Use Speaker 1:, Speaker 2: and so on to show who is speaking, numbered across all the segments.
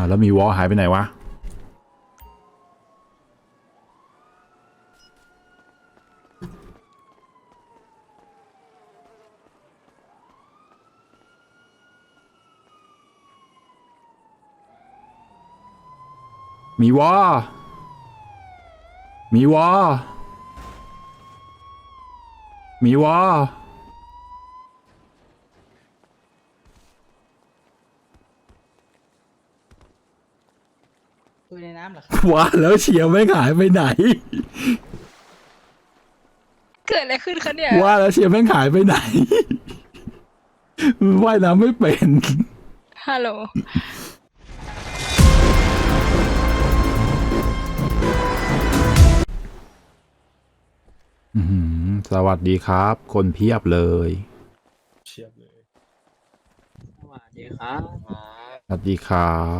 Speaker 1: แล้วมีวอลหายไปไหนวะมีวอมีวอมีวอ
Speaker 2: คุยในน้ำเหรอครับ
Speaker 1: ว่าแล้วเชียร์ไม่หายไปไหน
Speaker 3: เกิดอะไรขึ้นคะเนี่ย
Speaker 1: ว่าแล้วเชียร์ไม่หายไปไหน ว่ายน้ำไม่เป็น
Speaker 3: ฮัลโหล
Speaker 1: สวัสดีครับ คนเพียบเลย
Speaker 4: เชียบเลย
Speaker 2: สวัสดีครับ
Speaker 1: สวัสดีครับ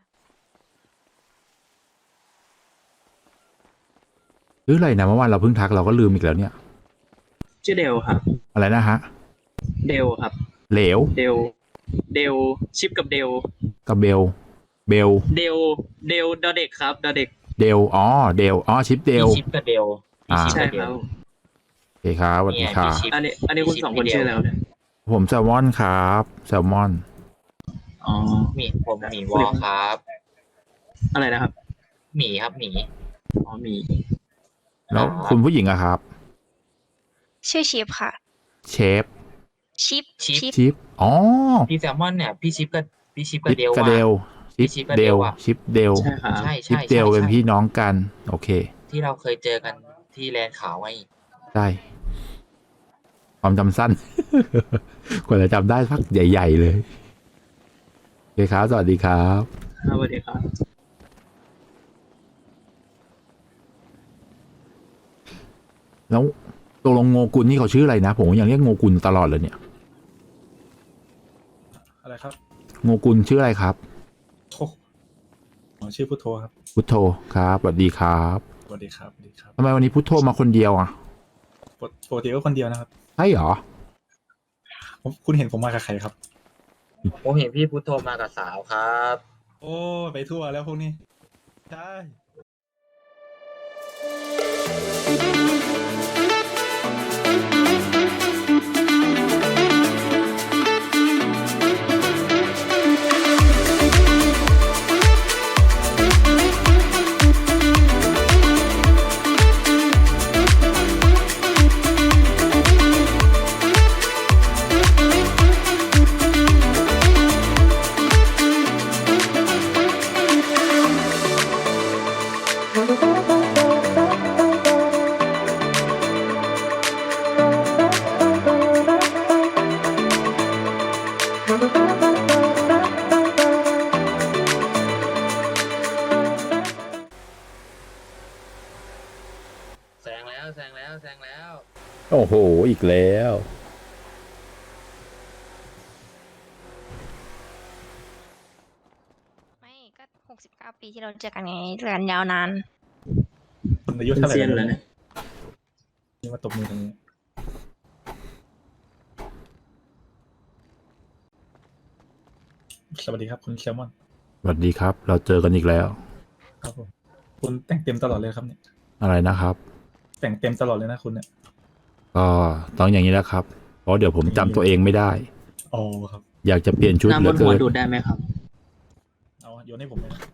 Speaker 1: หรืออะไรนะเมื่อวานเราเพิ่งทักเราก็ลืมอีกแล้วเนี่ย
Speaker 2: ชื่อเดลครับ
Speaker 1: อะไรนะฮะ
Speaker 2: เดลครับ
Speaker 1: เหลว
Speaker 2: เดลชิปกับเดล
Speaker 1: กับเบล เบล
Speaker 2: เดลดอเด็กครับดอเด็ก
Speaker 1: เดลอ๋อเดลอ๋อชิปเดล
Speaker 5: พี่ชิปกับเดล
Speaker 1: อ่า
Speaker 2: ใช่ครับ
Speaker 1: โอเคครับสวัสดีครับ
Speaker 5: พี่ชิป
Speaker 2: อันนี้คุณสองคนชื่อแล้วเนี่ย
Speaker 1: ผมแซลมอนครับแซลมอน
Speaker 2: อ๋อ
Speaker 5: ผมหมีวอลครับ
Speaker 2: อะไรนะครับ
Speaker 5: หมีครับหมี
Speaker 2: อ๋อมี
Speaker 1: แล้วคุณผู้หญิงอะครับ
Speaker 3: ชื่อชิปค่ะ
Speaker 1: เชฟ
Speaker 3: ชิป
Speaker 1: ชิปอ๋อ
Speaker 5: พี่แซลมอนเนี่ยพี่ชิปกับ
Speaker 1: ชิป
Speaker 5: เดล
Speaker 1: กับเดล
Speaker 5: พี่ชิปกับ
Speaker 1: เด
Speaker 5: เด
Speaker 1: ล
Speaker 5: ลอะ
Speaker 1: ชิปเดล
Speaker 2: ใช่ครับ
Speaker 5: ใช่
Speaker 1: ชิป
Speaker 5: ใช่
Speaker 1: เดล
Speaker 5: ใช่
Speaker 1: เป็นพี่น้องกัน โอเค
Speaker 5: ที่เราเคยเจอกันที่แลนด์ขาวไง
Speaker 1: ได้ความจำสั้น กว่าจะจำได้พักใหญ่ ๆ เลยโอเคครับ สวัสดีครับ
Speaker 2: สวัสดีครับ
Speaker 1: แล้วตกลงโงกุลนี่เขาชื่ออะไรนะ ผมยังเรียกโงกุลตลอดเลยเนี่ย
Speaker 4: อะไรครับ
Speaker 1: โงกุลชื่ออะไรครับ
Speaker 4: โทอ๋อชื่อพุทโธครับ
Speaker 1: พุทโธครับสวัสดีครับ
Speaker 4: สวัสดีครับสวัสดีครับ
Speaker 1: ทำไมวันนี้พุทโธมาคนเดียวอ่ะ
Speaker 4: ปกติก็คนเดียวนะครับ
Speaker 1: ใช่เหรอ
Speaker 4: คุณเห็นผมมากับใครครับ
Speaker 5: ผมเห็นพี่พุทโธมากับสาวครับ
Speaker 4: โอ้ไปทั่วแล้วพวกนี้ ใช่
Speaker 5: แซงแล้วแซงแล้วแซงแล้ว
Speaker 1: โอ้โห อีกแล้ว
Speaker 3: ไม่ก็69 ปีที่เราเจอกันไงเจอกันยาวนาน
Speaker 4: คุณอายุ
Speaker 2: เป็น
Speaker 4: เท่าไหร่
Speaker 2: เซียน
Speaker 4: แล้ว
Speaker 2: แล้ว
Speaker 4: เนี่ย
Speaker 2: เนี่ย
Speaker 4: นี่มาตบมือตรงนี้ สวัสดีครับ คุณแซลมอน
Speaker 1: สวัสดีครับ เราเจอกันอีกแล้ว
Speaker 4: ครับผม คุณแต่งเต็มตลอดเลยครับเนี่ย
Speaker 1: อะไรนะครับ
Speaker 4: แต่งเต็มตลอดเลยนะคุณเนี่ย
Speaker 1: ก็ต้องอย่างนี้แหล้วครับ เพราะเดี๋ยวผมจำตัวเองไม่ได้
Speaker 4: อ๋อครับ
Speaker 1: อยากจะเปลี่ยนชุด
Speaker 2: น้ำ
Speaker 1: เห
Speaker 2: บ
Speaker 1: ลือน
Speaker 2: หั
Speaker 1: เกิ
Speaker 2: วน ดูดได้ไหมครับ
Speaker 4: เอาโยนให้ผมเลยนะ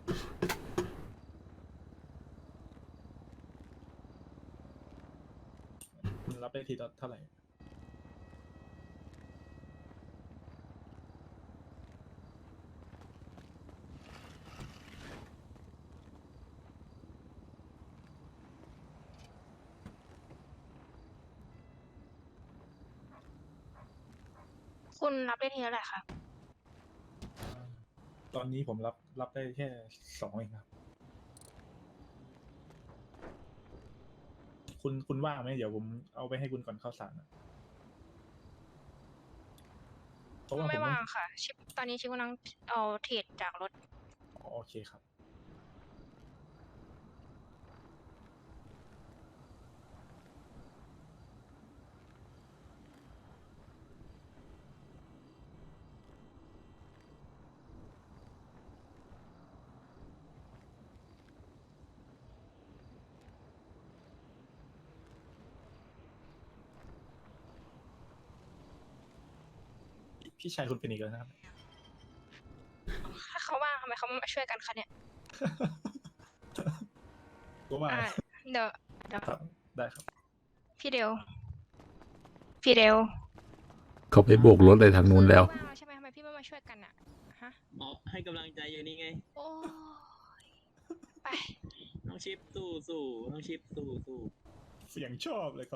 Speaker 4: คุณรับได้ทีละเท่าไหร่
Speaker 3: คุณรับได้ทีเท่าไหร่คะ
Speaker 4: ตอนนี้ผมรับได้แค่2เองครับ คุณว่างไหมเดี๋ยวผมเอาไปให้คุณก่อนเข้าสารนะเพราะว่าผม
Speaker 3: ไม่
Speaker 4: ต้อง
Speaker 3: ว่างค่ะ ชิปตอนนี้ชิปกำลังเอาเทรดจากรถ
Speaker 4: อ๋อโอเคครับพี่ชายคุณเป็นอีกแล้วนะครับ
Speaker 3: ถ้าเขาว่างทำไมเขาไม่มาช่วยกันคะเนี่ย
Speaker 4: ก็ว่า
Speaker 3: อ่าเดี๋ยว
Speaker 4: ครับได้ครับ
Speaker 3: พี่เดว
Speaker 1: เขาไปโบกรถเลยทางนู้นแล้ว
Speaker 3: ว่างแล้วใช่ไหมทำไมพี่ไม่มาช่วยกันอะฮะ
Speaker 2: หมอให้กำลังใจอยู่นี่ไง
Speaker 3: โอ้ยไป
Speaker 2: น้องชิปสู้น้องชิปสู้
Speaker 4: เสียงชอบเลยครับ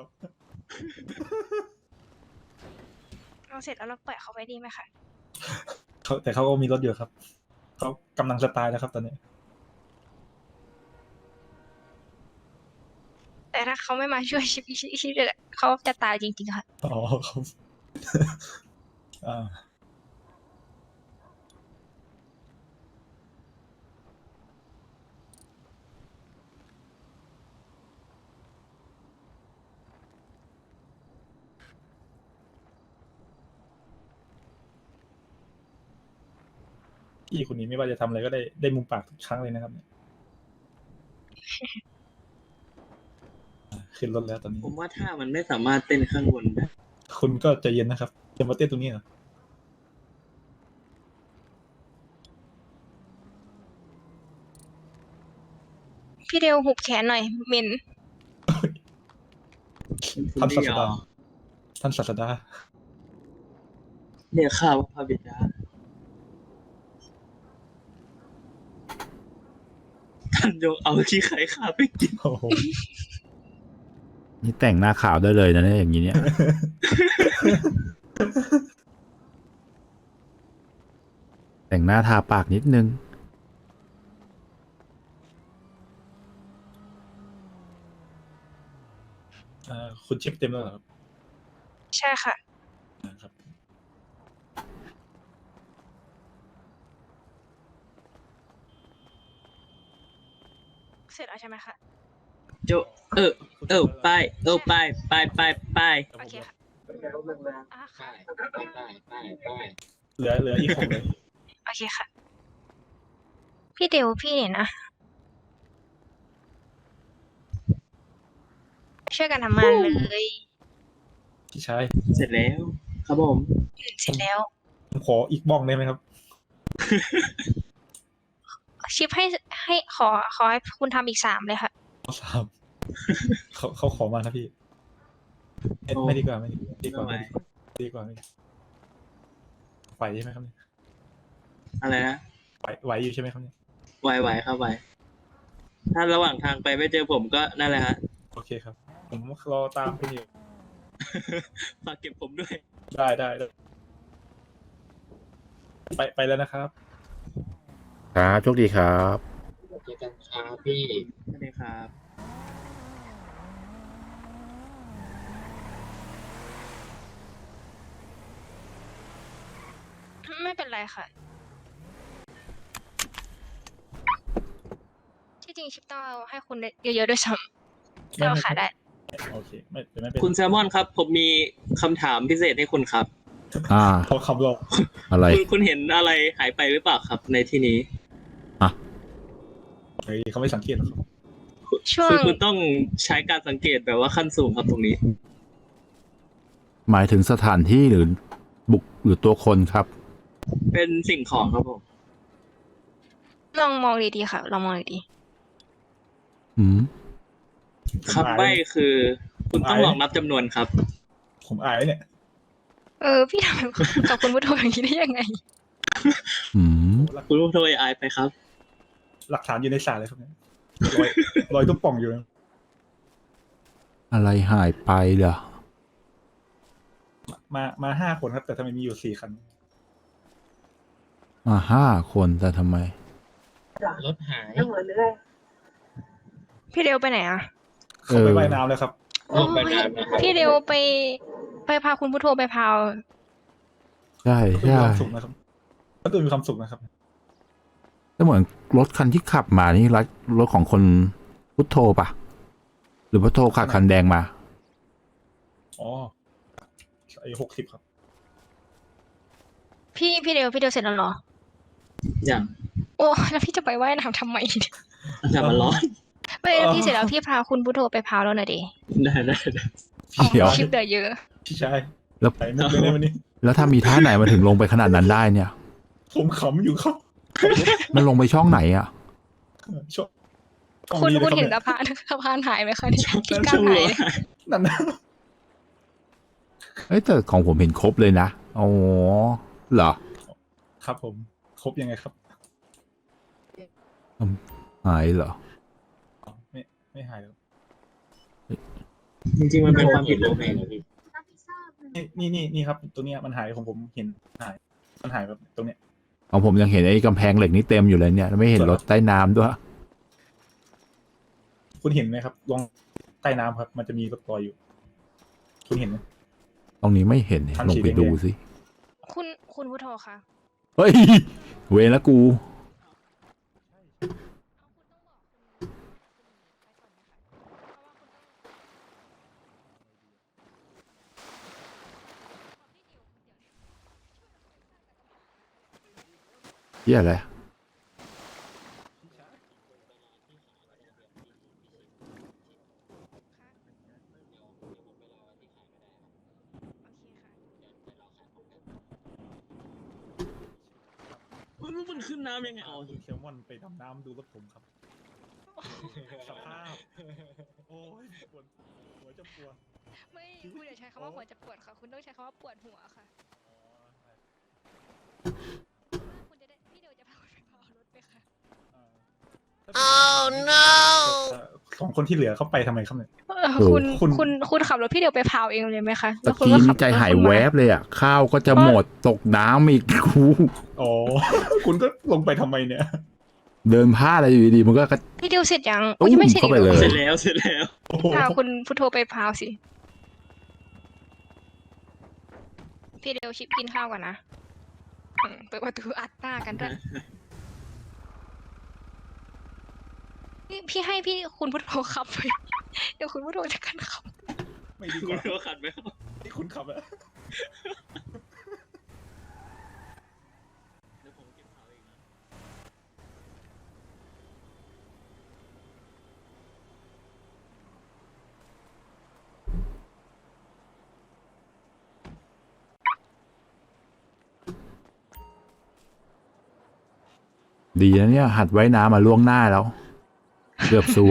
Speaker 3: เราเสร็จแล้วเราปล่อยเขาไว้ดีไหมคะ
Speaker 4: แต่เขาก็มีรถอยู่ครับเขากำลังจะตายแล้วครับตอนนี้
Speaker 3: แต่ถ้าเขาไม่มาช่วยชิปเขาจะตายจริงๆค่ะ
Speaker 4: อ๋อครับ อ่าพี่คนนี้ไม่ว่าจะทำอะไรก็ได้มุมปากทุกครั้งเลยนะครับเนี่ยขึ้นรถแล้วตอนนี้
Speaker 2: ผมว่าถ้ามันไม่สามารถเต้นข้างบนได้
Speaker 4: คุณก็ใจเย็นนะครับจะมาเต้นตรงนี้เหรอ
Speaker 3: พี่เดวหุบแขนหน่อยเหม็น
Speaker 4: ท่านศาสดาท่านศาสดา
Speaker 2: เนี่ยข้าวพระบิดาท่านจงเอาขี้ไข่ข้าไปกิน
Speaker 4: โอ้โห
Speaker 1: นี่แต่งหน้าขาวได้เลยนะเนี่ยอย่างนี้เนี่ย แต่งหน้าทาปากนิดนึง
Speaker 4: คุณชิปเต็มแล้วเหรอครับ
Speaker 3: ใช่ค่ะ
Speaker 4: ครับ
Speaker 3: เสร็จแล้วใช่ไหมคะ
Speaker 2: โจไปไป
Speaker 3: โอเคค่ะอ่ะ
Speaker 5: ไป
Speaker 3: ค่ะ
Speaker 5: ไป
Speaker 4: เหลืออีกคนเลย
Speaker 3: โอเคค่ะ พี่เดวพี่เนี่ยนะ ช่วยกันทำงานเลย
Speaker 4: พี่ชาย
Speaker 2: เสร็จแล้ว ครับผม
Speaker 3: เสร็จแล้ว
Speaker 4: ผมขออีกบ้องได้ไหมครับ
Speaker 3: ชิปให้ขอให้คุณทำอีก3เลยค่ะ
Speaker 4: ข้อสามเขาขอมานะพี่ไม่ดีกว่าไม่ดีกว่าไม่ดีกว่าไหวใช่ไหมครับเนี่ย
Speaker 2: อะไรนะ
Speaker 4: ไหวอยู่ใช่ไหมครับเนี่ย
Speaker 2: ไหวครับไหวถ้าระหว่างทางไปไม่เจอผมก็นั่นแหละฮะ
Speaker 4: โอเคครับ ผมรอตามคุณอยู่
Speaker 2: ฝากเก็บผมด้วย
Speaker 4: ได้ไปแล้วนะครับ
Speaker 1: ครับโชคดีครับ
Speaker 5: เจอกันครับพี่
Speaker 2: สวัสดีครับ
Speaker 3: ไม่เป็นไรค่ะ ที่จริงชิปต้องเอาให้คุณเยอะๆด้วยซ้ำเราขายได้
Speaker 4: โอเคไม่เป็น
Speaker 2: คุณแซลมอนครับ ผมมีคำถามพิเศษให้คุณครับ
Speaker 4: เขาคำรอ
Speaker 1: อะไร
Speaker 2: คุณเห็นอะไรหายไปหรือเปล่าครับ ในที่นี้
Speaker 4: เฮ้ยเขาไม่สังเกตหรอกครับ
Speaker 3: ช่วง
Speaker 2: คุณต้องใช้การสังเกตแบบว่าขั้นสูงครับตรงนี้
Speaker 1: หมายถึงสถานที่หรือบุคหรือตัวคนครับ
Speaker 2: เป็นสิ่งของครับผม
Speaker 3: ลองมองดีๆค่ะ ลองมองดี
Speaker 1: อืม
Speaker 2: คำใบ้คือ คุณต้องลองนับจำนวนครับ
Speaker 4: ผมอายเนี่ย
Speaker 3: ๆพี่ทำกับคุณพุทโธอย่างนี้ได้ยังไง
Speaker 1: อืม
Speaker 2: คุณผู้ชมอายไปครับ
Speaker 4: หลักฐานอยู่ในสารเลยครับเนี่ยรอยตุ๊บป่องอยู่นะ
Speaker 1: อะไรหายไปเหรอ
Speaker 4: มา5 คนครับ แต่ทำไมมีอยู่4 คัน
Speaker 1: มา5 คนแต่ทำไม
Speaker 5: รถหาย
Speaker 3: พี่เดวไปไหนอ่ะ
Speaker 4: เขาไปว่ายน้ำแล้วครับ
Speaker 3: โอ้ยพี่เดวไปพาคุณพุทโธไปพาว
Speaker 1: ใช่
Speaker 4: ก็มี
Speaker 1: ใช่
Speaker 4: ความสุขนะครับก็ดูมีความสุขนะครับ
Speaker 1: ก็เหมือนรถคันที่ขับมานี่รถของคนพุทโธปะหรือพุทโธขับคันแดงมา
Speaker 4: อ๋อไอ้60ครับ
Speaker 3: พี่เดวเสร็จแล้วเหรอ
Speaker 2: อย่าง
Speaker 3: โอ้แล้วพี่จะไปว่ายน้ำทำไมเนี่ย
Speaker 2: อากาศมันร้อน
Speaker 3: ไม่ได้พี่เสร็จแล้วพี่พาคุณพุทโธไปพาวแล้วหน่อยดิ
Speaker 2: ได้
Speaker 3: อ๋อ
Speaker 1: เดี๋ยว
Speaker 3: คลิปเดือเยอะ
Speaker 4: พี่ชาย
Speaker 1: แล้ว
Speaker 4: ไปมุกเลยในวันนี้
Speaker 1: แล้วถ้ามีท่าไหนมาถึงลงไปขนาดนั้นได้เนี่ย
Speaker 4: ผมขำอยู่ครับ
Speaker 1: มันลงไปช่องไหนอ่ะ
Speaker 4: ช่องช่อง
Speaker 3: คุณ
Speaker 4: นี้
Speaker 3: คุณ
Speaker 4: นะ
Speaker 3: เห็น
Speaker 4: ค
Speaker 3: สะ
Speaker 4: รับ
Speaker 3: พานสะพานหายไหมคะเนี่ยที่
Speaker 2: แล้ว
Speaker 3: กา
Speaker 2: ช่
Speaker 3: ร
Speaker 2: วง
Speaker 3: หา
Speaker 2: หั
Speaker 3: ยว
Speaker 2: หาย
Speaker 4: นั่นนะ
Speaker 1: เอ้ยแต่ของผมเห็นครบเลยนะอ๋อเหรอ
Speaker 4: ครับผมครบยังไงครับ
Speaker 1: หายเหรอ
Speaker 4: ไม่ไม่หายแล้ว
Speaker 2: จริงๆมันเป็นความผิดผมเอง
Speaker 4: นี่ครับ ตัวเนี้ยมันหายของผมเห็นหาย มันหายแบบตรงเนี้ย
Speaker 1: ของผมยังเห็นไอ้กำแพงเหล็กนี่เต็มอยู่เลยเนี่ยไม่เห็นรถใต้น้ำด้วย
Speaker 4: คุณเห็นไหมครับลองใต้น้ำครับ มันจะมีรถลอยอยู่ คุณเห็นไหม
Speaker 1: ตรงนี้ไม่เห็นเนี่ย
Speaker 4: ทำ
Speaker 1: ลง
Speaker 4: สี
Speaker 1: ไป
Speaker 4: แดงๆ
Speaker 1: ดูสิ
Speaker 3: คุณพุทโธคะ
Speaker 1: เฮ้ย เวรละกูเหียอะไร
Speaker 2: มันขึ้นน้ำยังไงอ๋อ
Speaker 4: คุณเคลมอนไปดำน้ำดูรถผมครับ สภาพ โอ้ยปวดหัวจะปวด
Speaker 3: ไม่คุณอย่าใช้คำว่าหัวจะปวดค่ะ คุณต้องใช้คำว่าปวดหัวค่ะคุณจะได้พี่เดียวจะพาคุณไปพารถไหมคะ
Speaker 4: Oh no สองคนที่เหลือเขาไปทำไมครับเนี่ย
Speaker 3: คุณ
Speaker 4: คุณ
Speaker 3: คุณขับรถพี่เดียวไปพาวเองเลยไหมคะ
Speaker 1: ตะ
Speaker 3: แล้วคุณ
Speaker 1: กี้
Speaker 3: ก็ขั
Speaker 1: นี่
Speaker 3: บ
Speaker 1: ใจหาย
Speaker 3: รถคุณ
Speaker 1: แว
Speaker 3: ม
Speaker 1: บเลยอ่ะ ข้าวก็จะหมดตกน้ำอีก กู
Speaker 4: อ๋อ คุณก็ลงไปทำไมเนี่ย
Speaker 1: เดินพลาดอะไรอยู่ดีๆมันก็กระ
Speaker 3: พี่เดียวเสร็จยัง
Speaker 1: ตุ้ม
Speaker 3: ยังไม่เสร็จอีก
Speaker 1: เข้าไป
Speaker 3: หรอ
Speaker 1: เลย
Speaker 2: เสร็จแล้วเสร็จแล้ว
Speaker 4: โอ้โห
Speaker 3: พาคุณพุทโธไปพาวสิ พี่เดียวชิปกินข้าวก่อนนะเปิดประตูอัดหน้ากันด้วยพี่ให้พี่คุณพุทโธขับไป เดี๋ยวคุณพุทโธจะกันขับ
Speaker 4: ไม่ดีก
Speaker 2: คุณ
Speaker 4: ว่า
Speaker 2: ก็ขัดไหมครับ
Speaker 4: ที่คุณขับอะ
Speaker 2: เดี๋ยวผมเก็บเขาเองนะ
Speaker 1: ดีนะเนี่ย หัดไว้น้ำมาล่วงหน้าแล้ว เกือบซวย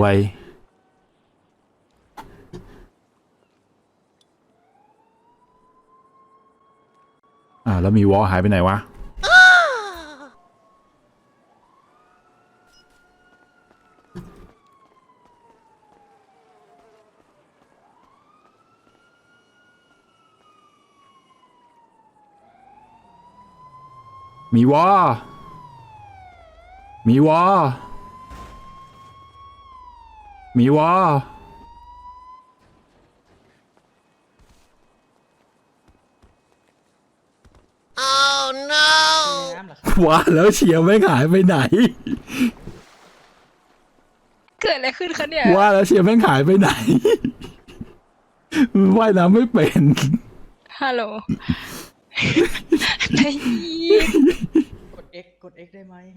Speaker 1: แล้วมีวอลหายไปไหนวะ มีวอ มีวอ มีวอ ว่าแล้วเชียร์ไม่หายไปไหน
Speaker 3: เกิดอะไรขึ้นคะเนี่ย
Speaker 1: ว่าแล้วเชียร์ไม่หายไปไหน ว่ายน้ำไม่เป็น
Speaker 3: ฮัลโหลไอ้เหี้ย
Speaker 6: กด X ได้ไหม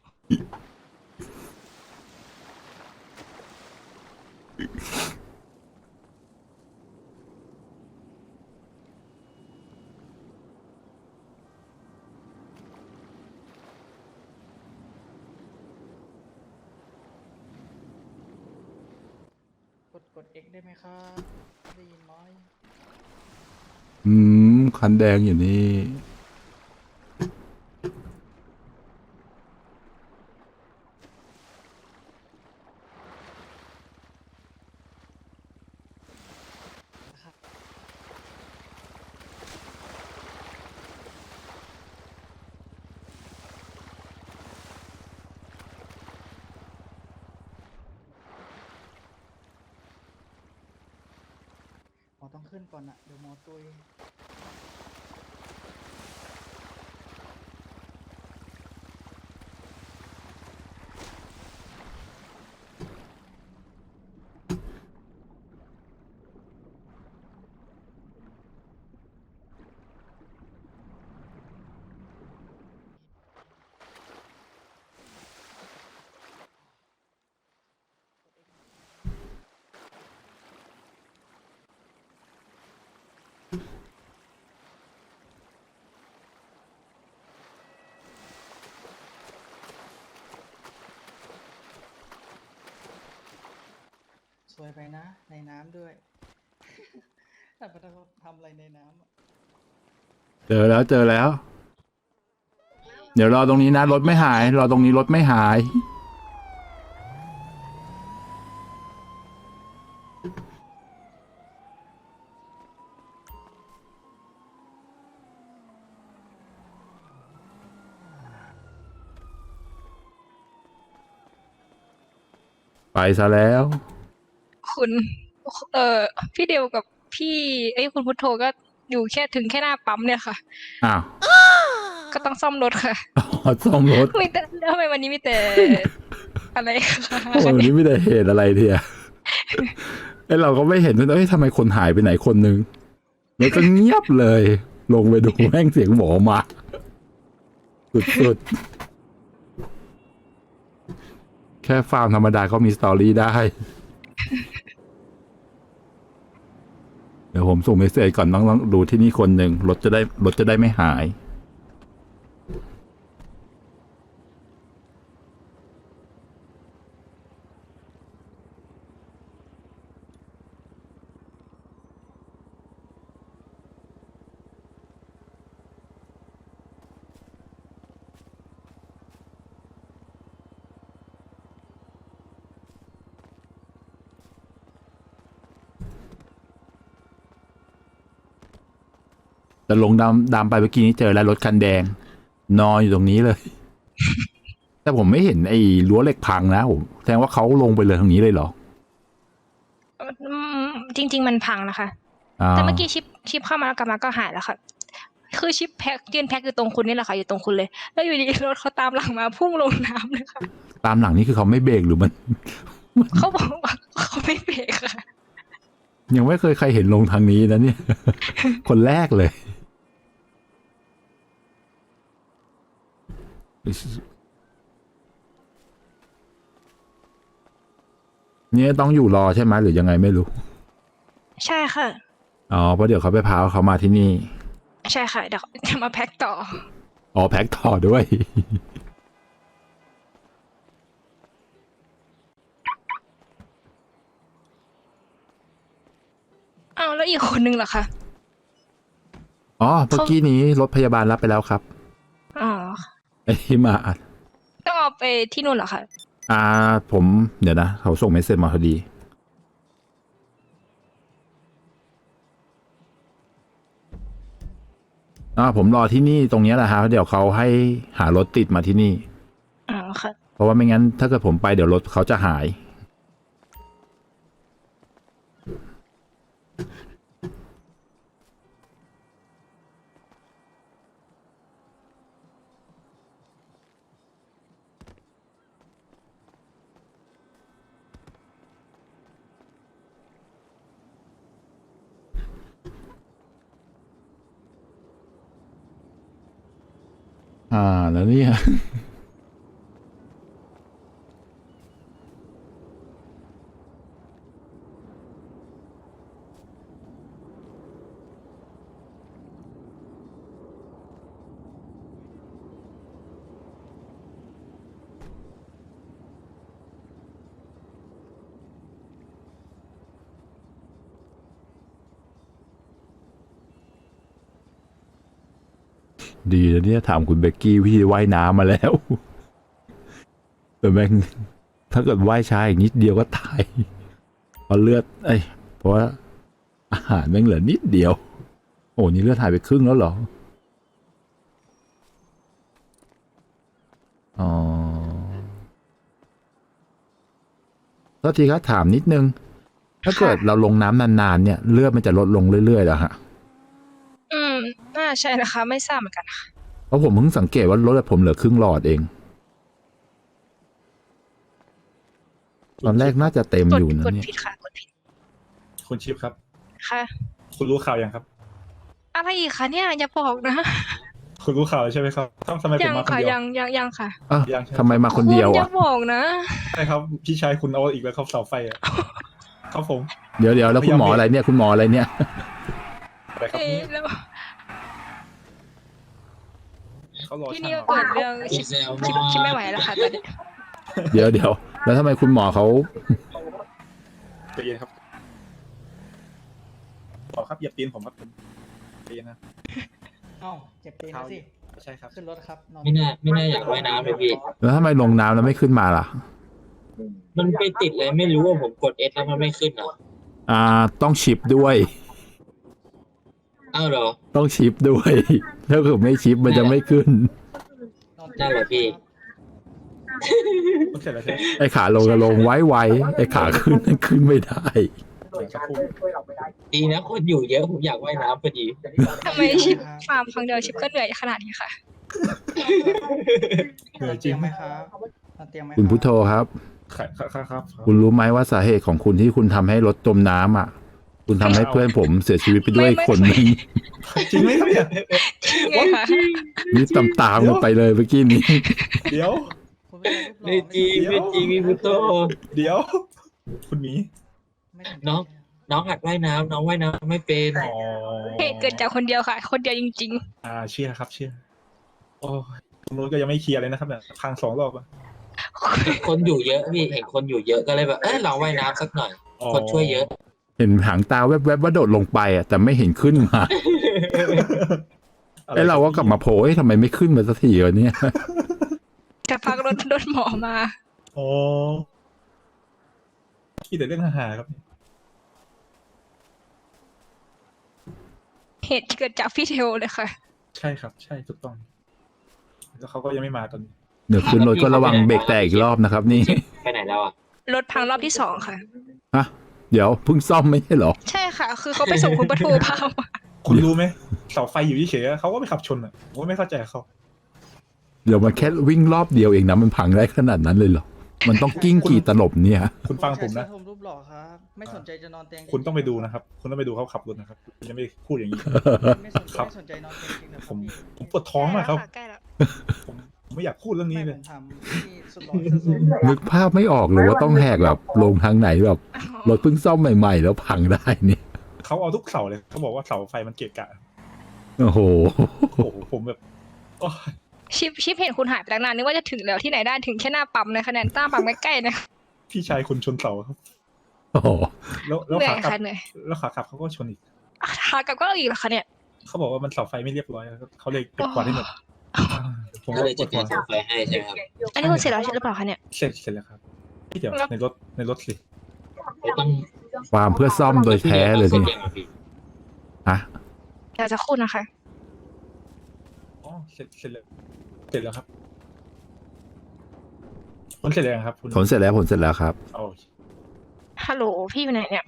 Speaker 6: กด X ได้ไหมครับ ได้ยินไหม
Speaker 1: คันแดงอยู่นี่
Speaker 6: หมอต้องขึ้นก่อนอะเดี๋ยวหมอตุยวยไปนะ ในน้ำด้วย แต่ไม่ต้องทำอะไรในน้ำอะ
Speaker 1: เจอแล้วเจอแล้ว เดี๋ยวรอตรงนี้นะรถไม่หาย รอตรงนี้รถไม่หาย ไปซะแล้ว
Speaker 3: คุณ พี่เดียวกับพี่คุณพุทโธก็อยู่แค่ถึงแค่หน้าปั๊มเนี่ยค่ะ
Speaker 1: อ้าว
Speaker 3: ก็ต้องซ่อมรถค่ะ
Speaker 1: อ๋อซ่อมรถ
Speaker 3: มีแต่ทำไมวันนี้มีแต่ อะไรคะ
Speaker 1: โอ้ยวันนี้ไม่ได้เหตุอะไรทีอะไอเราก็ไม่เห็นด้วยทำไมคนหายไปไหนคนนึงแล้วก็เงียบเลย ลงไปดูแม่งเสียงหมอมา สุดๆ แค่ฟาร์มธรรมดาก็มีสตอรี่ได้ เดี๋ยวผมส่งเมสเซจก่อนต้องดูที่นี่คนหนึ่งรถจะได้ไม่หาย แต่ลงดำไปเมื่อกี้นี้เจอแล้วรถคันแดง นอนอยู่ตรงนี้เลย แต่ผมไม่เห็นไอ้รั้วเหล็กพังนะผมแสดงว่าเขาลงไปเลยทางนี้เลยเหรอ
Speaker 3: จริง ๆ มันพังนะคะ แต่เมื่อกี้ชิปเข้ามาแล้วกลับมาก็หายแล้วค่ะ คือชิปยืนแพ็คอยู่ตรงคุณนี่แหละค่ะอยู่ตรงคุณเลย แล้วอยู่ดีรถเขาตามหลังมาพุ่งลงน้ำเลยค่ะ
Speaker 1: ตามหลังนี่คือเขาไม่เบรกหรือมัน
Speaker 3: เขาบอกว่าเขาไม่เบรกค่ะ
Speaker 1: ยังไม่เคยใครเห็นลงทางนี้นะเนี่ย คนแรกเลย เนี่ยต้องอยู่รอใช่ไหมหรือยังไงไม่รู้
Speaker 3: ใช่ค่ะ
Speaker 1: อ๋อเพราะเดี๋ยวเขาไปพาเขามาที่นี่
Speaker 3: ใช่ค่ะเดี๋ยวจะมาแพ็คต่อ
Speaker 1: อ๋อแพ็คต่อด้วย
Speaker 3: อ้าวแล้วอีกคนนึงล่ะคะ
Speaker 1: อ๋อเมื่อกี้นี้รถพยาบาลรับไปแล้วครับ
Speaker 3: อ๋อ
Speaker 1: ไอ้ที่มา
Speaker 3: ต้องเอาไปที่นู่นเหรอคะ
Speaker 1: ผมเดี๋ยวนะเขาส่งเมสเซจมาพอดีผมรอที่นี่ตรงนี้แหละฮะเดี๋ยวเขาให้หารถติดมาที่นี่
Speaker 3: อ๋อค่ะ
Speaker 1: เพราะว่าไม่งั้นถ้าเกิดผมไปเดี๋ยวรถเขาจะหาย แล้วเนี่ย ดีแล้วเนี่ยถามคุณเบกกี้พี่ว่ายน้ำมาแล้ว แต่แม่งถ้าเกิดว่ายช้าอีกนิดเดียวก็ตายเพราะเลือดเพราะว่าอาหารแม่งเหลือนิดเดียว โอ้นี่เลือดหายไปครึ่งแล้วเหรออ๋อแล้วทีครับถามนิดนึง ถ้าเกิดเราลงน้ำนานๆเนี่ยเลือดมันจะลดลงเรื่อยๆเหรอฮะ
Speaker 3: น่าใช่นะคะ ไม่ทราบเหมือนกันค่ะ
Speaker 1: เพราะผมเพิ่งสังเกตว่ารถผมเหลือครึ่งหลอดเอง ตอนแรกน่าจะเต็มอยู่นะ
Speaker 3: กด
Speaker 1: เนี่ย
Speaker 3: ผิดค่ะกดผิด
Speaker 4: คุณชิปครับ
Speaker 3: ค่ะ
Speaker 4: คุณรู้ข่าวยังครับ
Speaker 3: อะไรอีกคะเนี่ยอย่าบอกนะ
Speaker 4: คุณรู้ข่าวใช่ไหมครับทำไมผ
Speaker 3: ยั
Speaker 4: ม
Speaker 3: ง
Speaker 4: มาคน
Speaker 3: ค่ะ
Speaker 4: เดียว
Speaker 3: ยังค่ะ
Speaker 4: ยังใช่ไหม
Speaker 1: ทำไมมาคนเดียว
Speaker 3: คุณอย่า
Speaker 1: อ่ะ
Speaker 3: บอกนะ
Speaker 4: ใช่ครับพี่ชายคุณเอาอีกแล้วครับเสาไฟอ่ะ ครับผม
Speaker 1: เดี๋ยวแล้วคุณหมออะไรเนี่ยคุณหมออะไรเนี่ย
Speaker 4: อะไรครับ
Speaker 3: เอ๊ะ
Speaker 4: เนี่ย
Speaker 3: แล้ว
Speaker 4: เขารอ
Speaker 3: ที่
Speaker 4: ช่าง
Speaker 3: นี่
Speaker 4: เหร
Speaker 3: ก็
Speaker 4: อ
Speaker 3: เกิดเรื่องชิปไม่ไหวแล้วค่ะตอนนี้
Speaker 1: เดี๋ยวแล้วทำไมคุณหมอเขา
Speaker 4: ไปเย็นครับบอกครับเหยียบตีนผมครับใจเย็นนะ
Speaker 6: เอ้าเจ็บตีนแล้วสิ
Speaker 4: ใช่ครับ
Speaker 6: ขึ้นรถครับนอน
Speaker 5: ไม่น่าอยากว่ายน้ำเลยพี่
Speaker 1: แล้วทำไมลงน้ำแล้วไม่ขึ้นมาล่ะ
Speaker 5: มันไปติดเลยไม่รู้ว่าผมกด S แล้วมันไม่ขึ้นเหรอ
Speaker 1: ต้องชิปด้วย
Speaker 5: อ้าวเหรอ
Speaker 1: ต้องชิปด้วย ถ้าเกิดไม่ชิปมันจะไม่ขึ้น
Speaker 6: นอน
Speaker 5: นั่นแหละพี่
Speaker 4: มันเสร็จแล้วใช่ไหม
Speaker 1: ไอ้ขาลงก็ลงไว้ไอ้ขาขึ้นนั่นขึ้นไม่ได้
Speaker 4: สักครู่
Speaker 5: ดีนะคนอยู่เยอะผมอยากว่ายน้ำพอดี
Speaker 3: ทำไมชิปฟาร์มครั้งเดียวชิปก็เหนื่อยขนาดนี้ค่ะ
Speaker 4: เหนื่อยจ
Speaker 6: เตี
Speaker 4: ริ
Speaker 6: ย
Speaker 4: ง
Speaker 6: งไหมครับนอนเตียงไหม
Speaker 1: คุณพุทโธครับ
Speaker 4: ครับ
Speaker 1: คุณรู้ไหมว่าสาเหตุของคุณที่คุณทำให้รถจมน้ำอ่ะ คุณทำให้เพื่อนผมเสียชีวิตไปด้วยคนหนึง
Speaker 4: จริงไหมครับเนี่ย
Speaker 3: ไงคะ
Speaker 1: นี่ตามกันไปเลยเมื่อกี้นี้
Speaker 4: เดี๋ยว
Speaker 6: คุณเป็นรูปหล่อ
Speaker 5: ไม่จริงไม่จริงพี่พุทโธ
Speaker 4: เดี๋ยว คุณหมี
Speaker 6: ไม่สใจ
Speaker 5: น้องหัดว่ายน้ำน้องว่ายน้ำไม่เป็น
Speaker 4: อ๋อ
Speaker 3: เหตุเกิดจากคนเดียวค่ะ คนเดียวจริง
Speaker 4: เชื่อครับเชื่อโอ้ยตรงนู้นก็ยังไม่เคลียร์เลยนะครับเนี่ยพัง2 รอบอะ
Speaker 5: คนอยู่เยอะพี่เห็นคนอยู่เยอะก็เลยแบบลองว่ายน้ำสักหน่อย คนช่วยเยอะ
Speaker 1: เห็นหางตาแวบๆว่าโดดลงไปอ่ะแต่ไม่เห็นขึ้นมาไอ้เราก็กลับมาโผล่ทำไมไม่ขึ้นมาสักทีวะเนี่ย
Speaker 3: ๆแต่พักรถหมอมา
Speaker 4: อ๋อคิดแต่เรื่องอาหารครับ
Speaker 3: เหตุเกิดจากพี่เทลเลยค่ะ
Speaker 4: ใช่ครับใช่ถูกต้อง แล้วเขาก็ยังไม่มาตอนนี้
Speaker 1: เดี๋ยวขึ้นรถก็ระวังเบรกแตกอีกรอบนะครับนี่
Speaker 5: ไปไหนแล้วอ่ะ
Speaker 3: รถพังรอบที่2ค่ะ
Speaker 1: ฮะเดี๋ยวเพิ่งซ่อมไม่ใช่เหรอ
Speaker 3: ใช่ค่ะ คือเขาไปส่งคุณปทูพามา
Speaker 4: คุณรู้ไหมเสาไฟอยู่เฉยๆเขาก็ไปขับชนอ่ะผมก็ไม่เข้าใจเขา
Speaker 1: เดี๋ยวมันแค่วิ่งรอบเดียวเองนะมันพังได้ขนาดนั้นเลยเหรอ มันต้องกิ้งกี่ตลบเนี่ย
Speaker 4: คุณฟังผมนะ
Speaker 6: ชายเสื้อธงรูปหล่อครับ ไม่สนใจจะนอนเตียง
Speaker 4: คุณต้องไปดูนะครับ คุณต้องไปดูเขาขับรถนะครับคุณจะไม่พูดอย่างนี้
Speaker 6: ไม่สน
Speaker 4: ครับ
Speaker 6: ไม่สนใจนอนเตียงจริงนะ
Speaker 4: ผมปวดท้องมากครับ
Speaker 3: ใกล้แล้ว
Speaker 4: ผมไม่อยากพูดเรื่องนี้
Speaker 6: ไม่
Speaker 4: เล
Speaker 6: ผ
Speaker 4: ย
Speaker 6: มทำที่สุดหล่อเสื้อส้ม
Speaker 1: นึกภาพไม่ออกเลยว่าต้องแหกแบบลงทางไหนแบบรถเพิ่งซ่อมใหม่ๆ แล้วพังได้เนี่ย
Speaker 4: เขาเอาทุกเสาเลยเขาบอกว่าเสาไฟมันเกะกะ
Speaker 1: โอ้โห
Speaker 4: โอ้โหผมแบบโอ้ย
Speaker 3: ชิปเห็นคุณหายไปตั้งนานนึกว่าจะถึงแล้วที่ไหนได้ถึงแค่หน้าปั๊มนะคะแนนต้าปั๊มใกล้ๆนะ
Speaker 4: พี่ชายคุณชนเสาครับ
Speaker 1: โอ้โห
Speaker 4: แล้ว
Speaker 3: เหนื่อ
Speaker 4: ขาย กลับ
Speaker 3: ค่ะเหนื่อย
Speaker 4: แล้วขากลับเขาก็ชนอีก
Speaker 3: ขากลับก็เอาอีกเหรอคะเนี่ย
Speaker 4: เขาบอกว่ามันเสาไฟไม่เรียบร้อยเขาเลยเก็บกวาดให้หมดผม
Speaker 5: ก็
Speaker 4: ก็
Speaker 5: เลย
Speaker 4: ป
Speaker 5: จั
Speaker 4: ว
Speaker 5: ด
Speaker 4: ดหั
Speaker 5: กาว รเสาไฟให้ใช่ไหมครับ
Speaker 3: อันนี้คุณเสร็จแล้วใช่หรือเปล่าคะเนี่ย
Speaker 4: เสร็จแล้วครับพี่เดี๋ยวในรถสิ
Speaker 5: ไม่ต้อง
Speaker 1: ความเพื่อซ่อมโดยแท้เลยนี่ ฮะ
Speaker 3: เดี๋ยวจะคู่นะคะ
Speaker 4: อ๋อเสร็จแล้วครับคุณเสร็จแล้วยังครับคุณ
Speaker 1: ผลเสร็จแล้วครับ
Speaker 4: โอ้
Speaker 3: ฮัลโหลพี่อยู่ไหนเนี่ย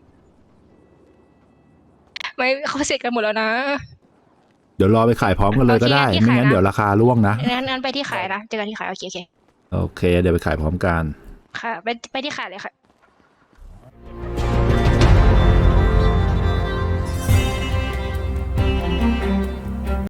Speaker 3: ไม่เขาเสร็จกันหมดแล้วนะ
Speaker 1: เดี๋ยวรอไปขายพร้อมกันเลยก็ได้
Speaker 3: โอเค
Speaker 1: ไม่งั้น
Speaker 3: ที่ขายนะ
Speaker 1: เดี๋ยวราคาร่วงนะ
Speaker 3: งั้นไปที่ขายนะเจอกันที่ขายโอเค
Speaker 1: โอเค เดี๋ยวไปขายพร้อมกัน
Speaker 3: ค่ะไปที่ขายเลยค่ะ